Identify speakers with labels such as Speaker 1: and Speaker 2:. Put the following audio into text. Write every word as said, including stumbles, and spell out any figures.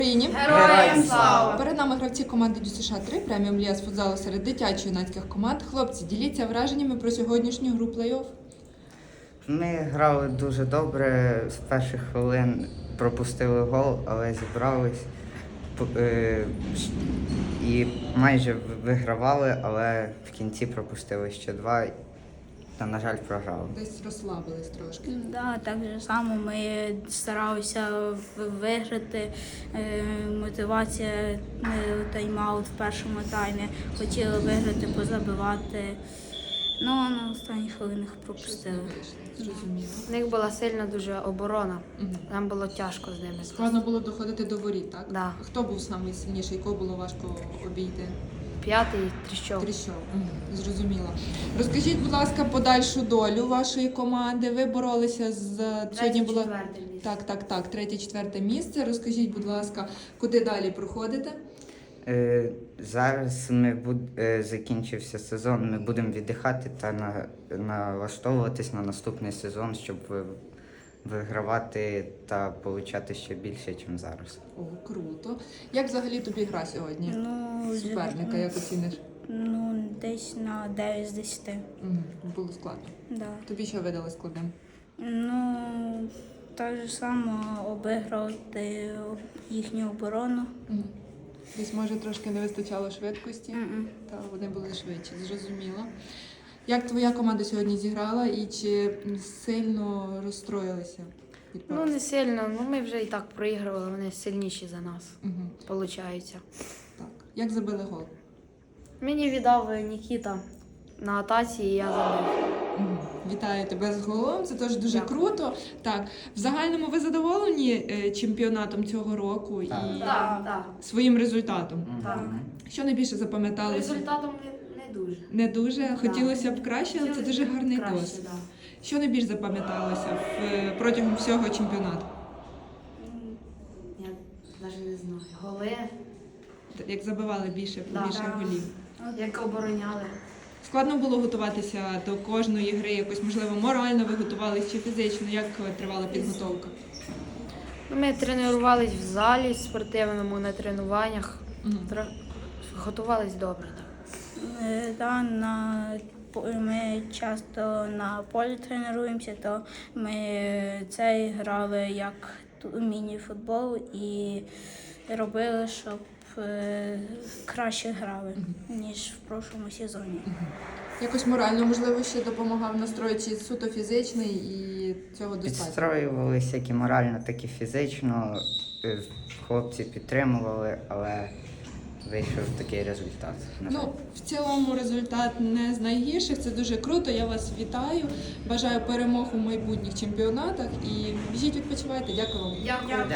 Speaker 1: Україні.
Speaker 2: Героям слава!
Speaker 1: Перед нами гравці команди Дю США три преміум ліга з футзалу серед дитячо-юнацьких команд. Хлопці, діліться враженнями про сьогоднішню гру плей-офф.
Speaker 3: Ми грали дуже добре, з перших хвилин пропустили гол, але зібрались е, і майже вигравали, але в кінці пропустили ще два та, на жаль, програли.
Speaker 1: Десь розслабились трошки.
Speaker 2: Да, так же само ми старалися виграти. Е, Мотивація, е, тайм-аут в першому таймі. Хотіли виграти, позабивати. Ну, на останніх хвилинах пропустили.
Speaker 1: Зрозуміло.
Speaker 4: У них була сильна дуже оборона.
Speaker 1: Мгм.
Speaker 4: Нам було тяжко з ними.
Speaker 1: Складно було доходити до воріт, так?
Speaker 4: Да.
Speaker 1: Хто був найсильніший, кого було важко обійти?
Speaker 4: П'ятий тріщов.
Speaker 1: Тріщов. Мгм. Зрозуміло. Розкажіть, будь ласка, подальшу долю вашої команди. Ви боролися з сьогодні було так, так, так, третє, четверте місце. Розкажіть, будь ласка, куди далі проходите?
Speaker 3: Е, Зараз ми буд... е, закінчився сезон, ми будемо віддихати та на... налаштовуватись на наступний сезон, щоб ви- вигравати та отримати ще більше, ніж зараз.
Speaker 1: О, круто. Як взагалі тобі гра сьогодні?
Speaker 2: Ну,
Speaker 1: Суперника, як оціниш?
Speaker 2: Ну, десь на дев'ять з десяти.
Speaker 1: Мгм. Було складно.
Speaker 2: Да.
Speaker 1: Тобі що видалось складним?
Speaker 2: Ну, так же само обіграти їхню оборону.
Speaker 1: Мгм. Десь, може, трошки не вистачало швидкості,
Speaker 2: Мгм.
Speaker 1: та вони були швидші, зрозуміло. Як твоя команда сьогодні зіграла і чи сильно розстроїлися від
Speaker 4: Ну,
Speaker 1: поразки?
Speaker 4: не сильно. Ну, ми вже і так проігрували, вони сильніші за нас,
Speaker 1: Мгм.
Speaker 4: виходить.
Speaker 1: Так. Як забили гол?
Speaker 4: Мені віддав Нікіта на атаці, і я забив.
Speaker 1: Мгм. Вітаю тебе з голом, це теж дуже
Speaker 4: Дякую.
Speaker 1: круто. Так, в загальному ви задоволені е, чемпіонатом цього року
Speaker 3: Так.
Speaker 1: і
Speaker 4: Так, так.
Speaker 1: своїм результатом?
Speaker 4: Так.
Speaker 1: Що найбільше запам'яталося?
Speaker 4: Результатом не, не дуже.
Speaker 1: Не дуже. Хотілося б краще, але це дуже гарний
Speaker 4: Краще,
Speaker 1: досвід.
Speaker 4: да.
Speaker 1: Що найбільш запам'яталося в, е, протягом всього чемпіонату?
Speaker 4: Я навіть не знаю. Голи,
Speaker 1: Як забивали більше,
Speaker 4: Да.
Speaker 1: більше
Speaker 4: Да.
Speaker 1: голів?
Speaker 4: як обороняли.
Speaker 1: Складно було готуватися до кожної гри, якось, можливо, морально ви готувалися чи фізично? Як е, тривала підготовка?
Speaker 4: Ну, ми тренувались в залі спортивному на тренуваннях.
Speaker 1: Мгм.
Speaker 4: Тро- Готувались добре. Так.
Speaker 2: Е, Да, на, по- ми часто на полі тренуємося, то ми це грали як ту- міні-футбол і робили, щоб е, краще грали, ніж в прошлому сезоні.
Speaker 1: Якось морально, можливо, ще допомагав настрой чи суто фізичний і цього достатньо?
Speaker 3: Підстроювалися як і морально, так і фізично. Е, Хлопці підтримували, але вийшов такий результат. на жаль.
Speaker 1: Ну, в цілому результат не з найгірших, це дуже круто, я вас вітаю. Бажаю перемог у майбутніх чемпіонатах і біжіть відпочивайте. Дякую вам.
Speaker 4: Дякую.